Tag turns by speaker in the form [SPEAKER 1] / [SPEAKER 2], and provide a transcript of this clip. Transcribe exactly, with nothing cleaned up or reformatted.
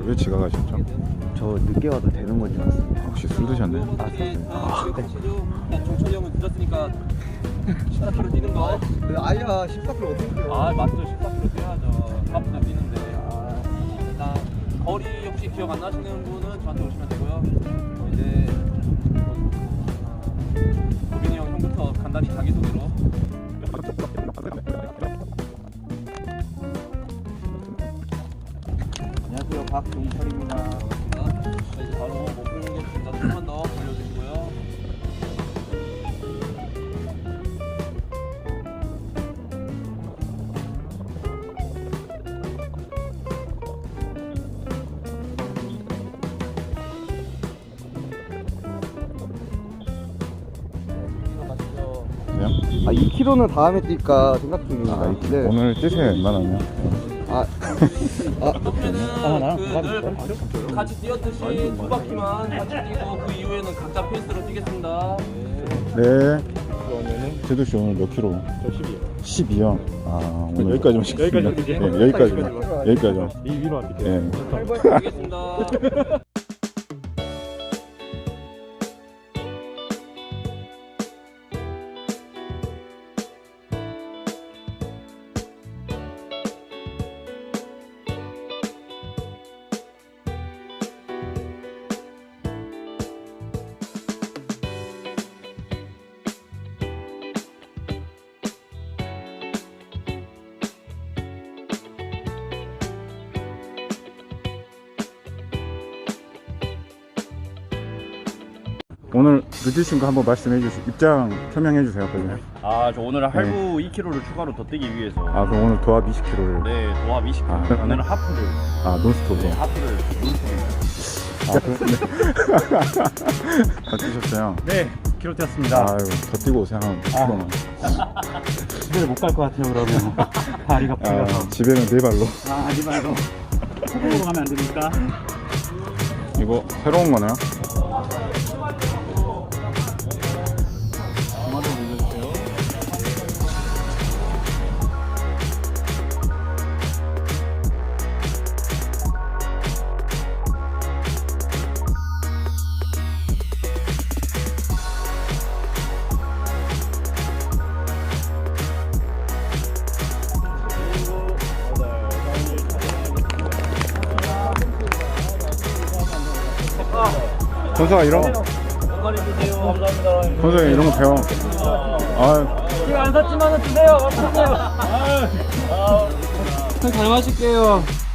[SPEAKER 1] 왜 지각하셨죠?
[SPEAKER 2] 저 늦게 와도 되는 건지 알았습니다.
[SPEAKER 1] 혹시 술 드셨나요?
[SPEAKER 2] 아, 샀어요.
[SPEAKER 3] 아, 네. 종철이 형은 늦었으니까 십사 킬로미터 뛰는 거.
[SPEAKER 2] 아야, 십사 킬로미터 어떻게 뛰어?
[SPEAKER 3] 아, 맞죠. 십사 킬로미터 뛰어야죠. 사분도 뛰는데. 아, 일단 거리 혹시 기억 안 나시는 분은 저한테 오시면 되고요. 어, 이제 도빈이 형 형부터 간단히 자기소개로.
[SPEAKER 2] 안녕하세요, 박종철입니다.
[SPEAKER 3] 자, 이제 바로 목표 공격입니다. 조금만 더 올려주시고요.
[SPEAKER 1] 그래요?
[SPEAKER 2] 아, 이 킬로미터는 다음에 뛸까 생각 중입니다.
[SPEAKER 1] 아,
[SPEAKER 2] 네.
[SPEAKER 1] 오늘 뛰세요, 웬만하면.
[SPEAKER 2] 아, 아,
[SPEAKER 3] 그러면은 그 같이 뛰었듯이 두 바퀴만 같이 뛰고 그 이후에는 각자 페이스로 뛰겠습니다.
[SPEAKER 1] 네.
[SPEAKER 4] 그러면은
[SPEAKER 1] 제도 씨 오늘 몇 킬로?
[SPEAKER 4] 저 십이요.
[SPEAKER 1] 십이요? 아, 오늘 여기까지만 시켰습니다.
[SPEAKER 4] 여기까지
[SPEAKER 1] 네, 여기까지만. 여기까지만.
[SPEAKER 4] 이 위로 할게요.
[SPEAKER 1] 네.
[SPEAKER 3] 알겠습니다.
[SPEAKER 1] 오늘 늦으신 거 한번 말씀해 주세요. 입장 표명해 주세요, 빨리.
[SPEAKER 5] 아, 저 오늘 할부 이 킬로미터를 추가로 더 뛰기 위해서.
[SPEAKER 1] 아, 그럼 오늘 도합 이십 킬로미터를.
[SPEAKER 5] 네, 도합 이십 킬로미터.
[SPEAKER 1] 아,
[SPEAKER 5] 오늘은 하프를.
[SPEAKER 1] 아, 논스톱으로.
[SPEAKER 5] 네, 하프를.
[SPEAKER 1] 다 뛰셨어요?
[SPEAKER 4] 네, 킬로 뛰었습니다.
[SPEAKER 1] 아유, 더 뛰고 오세요, 한 킬로만.
[SPEAKER 4] 집에 못 갈 것 같아요, 그러면. 다리가 풀려서.
[SPEAKER 1] 아, 집에는 네 발로.
[SPEAKER 4] 아, 하지 말고. 소금으로 가면 안 됩니까?
[SPEAKER 1] 이거 새로운 거네요? 선수가 이런 거,
[SPEAKER 3] 건강해주세요. 감사합니다.
[SPEAKER 1] 선수가 이런 거 배워. 아,
[SPEAKER 3] 지금 안 샀지만은 드세요. 감사합니다. 잘 마실게요.